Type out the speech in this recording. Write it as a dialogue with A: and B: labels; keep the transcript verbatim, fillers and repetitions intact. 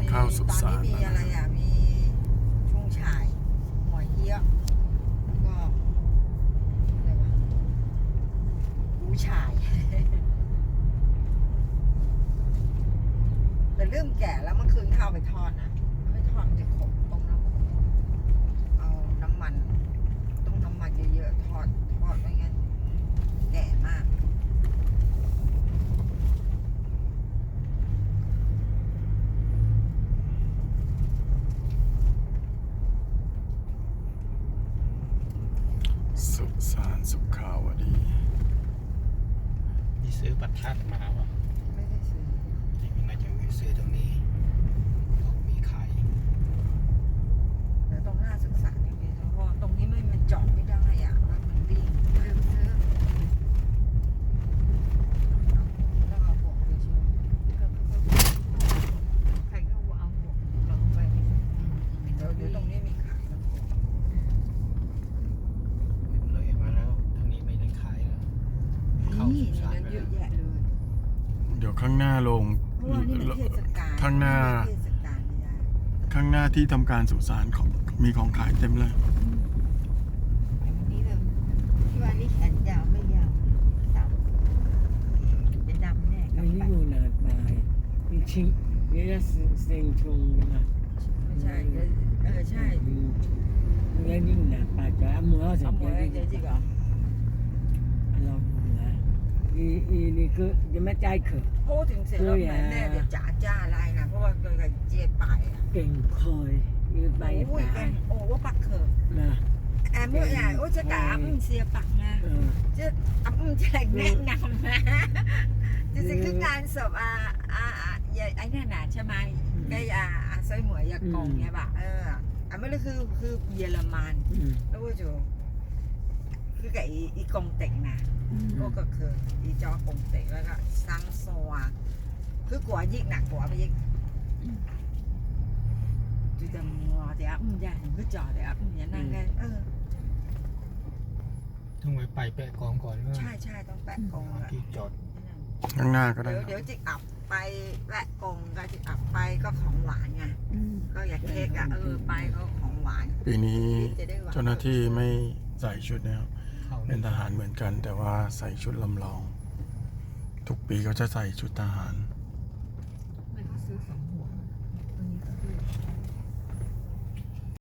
A: ข้าวสุสาน
B: ตอนนี้มีอะไรอ่ะมีชุ่งฉ่ายหัวเหี้ยแล้วก็อะไรวะหูฉ่าย แต่เริ่มแก่แล้วเมื่อคืนข้าวไปทอดนะไม่ทอดมันจะขมต้มน้ำเอาน้ำมันต้องน้ำมันเยอะๆทอดทอดไม่งั้นแก่มาก
A: สุสานสุขาวดี
C: มีซื้อประทัดมาป่ะ
B: ไม่ได้ซื้อ
C: นี่น่าจะมีซื้อตรงนี้เขามีขาย
B: แต่ตรงหน้าศึกษาจริงๆเพราะว่าตรงนี้ไม่มันจอดไม่ได้อ่ะรถมันวิ่งเร็วซื้อต้องเอาหัวไปชิมใครก็เอาหัวลงไปเดี๋ยวเดี๋ยวตรงนี้มีขายนะ
C: เลยมาแล้วทางนี้ไม่ได้ขายแล้วเข้า
B: นี่
C: สุ
B: ใน
C: สาน
B: นั้น
C: ไป
B: เย
C: แล้
B: อะ
C: ว
B: แยะเลย
A: เดี๋ยวข้างหน้าลง
B: เพราะว่านี่มันเทศกาล
A: ข้างหน้า
B: เทศกาลไม่ได้
A: ข้างหน้าที่ทำการสุสานของมีของขายเต็มเลย
B: อันนี้เลยที่ว่านี่แขนยาวไม่ยาวดำเป็นดำแน่กับ
D: อันนี้
B: ปัด
D: อยู่หนาตายจริงๆนี่จะเซ็งชงกันนะ
B: ไม่ใช่เดี๋ยวเออใช่
D: นี่นี่หนาปาจ้ามือสั
B: เอา
D: ง
B: หม
D: เก
B: วย
D: ต
B: เดี๋ยวจริงเหรอ
D: เราเนี่ยอีอีนี่คือจะไม่ใจเขอะ
B: พูดถึงเสร็จแล้วเหมือนแน่เดี๋ยวจ๋าจ้าอะไรนะเพราะว่าเกิดกับเจี๊ยบไปอ่ะ
D: เก่งคอยอีใบ
B: โอ้ยแก
D: ตาย
B: โอ้ว่าปักเขิน
D: นะ
B: แอมเมื่อไหร่โอ้จะกะมึงเสียปักนะ
D: เออ
B: จะอ่ะมึงจะแนะนำนะจะสิคืองานศพอ่าอ่าอ่าไอ้นั่นน่ะใช่ไหมไอ้อ่าอ่าซอยหมวยยากงเนี่ยป่ะเอออ่ะไม่เลยคือคือเยอรมัน
D: อืม
B: แล้วก็จูคือกับอีอีกงเต็กนะก็ก็คืออีจอกงเต็กแล้วก็ซังโซวคือกลัวยิ่งหนักกว่าไปยิ่งจูจะมัวเดี๋ยวอืมอย่าเห็นก็จอเดี๋ยวอืมอย่านั่งกันเออ
C: ต้องไปไปแปะกองก่อนว่า
B: ใช่ใช่ต้องแปะกงอะ
C: ที่จอด
A: ข้างหน้าก็ได้
B: เดี๋ยวเดี๋ยวจิกอับไปแปะกงก็จิกอับไปก็ของหวานไงก็อยากเค้กอะเออไปก็ของหวาน
A: ปีนี้
B: จะได้หวาน
A: เจ้าหน้าที่ไม่ใส่ชุดนะครับ
C: เข้า
A: เป็นทหารเหมือนกัน แต่ว่าใส่ชุดลำลอง ทุกปีเขาจะใส่ชุดทหาร
B: อ